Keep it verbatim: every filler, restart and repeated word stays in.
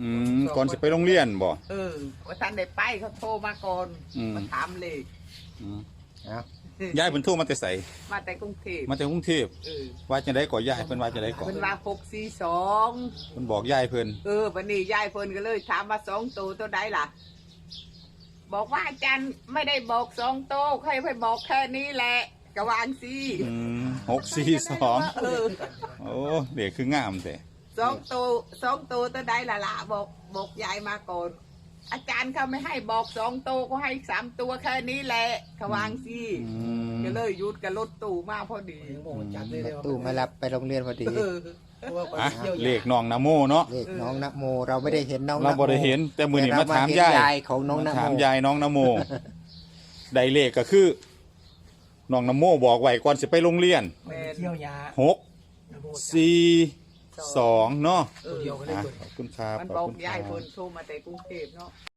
อืมก่อนสิไปโรงเรียนบ่เออว่าท่านได้ไปเขาโทรมาก่อนมาถามเลยอืมเอายายเพิ่นโทรมาแต่ไสมาแต่กรุงเทพมาจากกรุงเทพเออว่าจังได๋ก่อยายเพิ่นว่าจังได๋ก่อเพิ่นว่าหกสี่สองเพิ่นบอกยายเพิ่นเออวันนี้ยายเพิ่นก็เลยถามว่าสองตัวตัวใดล่ะ บอกว่าอาจารย์ไม่ได้บอกสองตัวใครไปบอกแค่นี้แหละกะวางสิอืมหกสี่สองเออโอ้เด็กคืองามแต่สองตัวสองตัวตัวใดล่ะล่ะบอกบอกยายมาก่อนอาจารย์เขาไม่ให้บอกสองตัวก็ให้สามตัวแค่นี้แหละกะวางสิอืมก็เลยหยุดกับรถตู้มาพอดีรถตู้มารับไปโรงเรียนพอดีเอออ่ะเลขน้องนะโมเนาะเลขน้องนะโมเราไม่ได้เห็นน้องนะโมเราบ่ได้เห็น แต่มื้อนี้มาถามยายแต่เรเห็นยายของน้องนะถามโมยายน้องนะโมได้เลขก็คือน้องนะโมบอกไว้ก่อนสิไปโรงเรียนแม่นเที่ยวยาหกสี่สองเนาะเออเดียวกันเลยอ่ะเบิดขอบคุณครับมันขบออบ กคุณคยายรับเพิ่นโทรมาแต่กรุงเทพเนาะ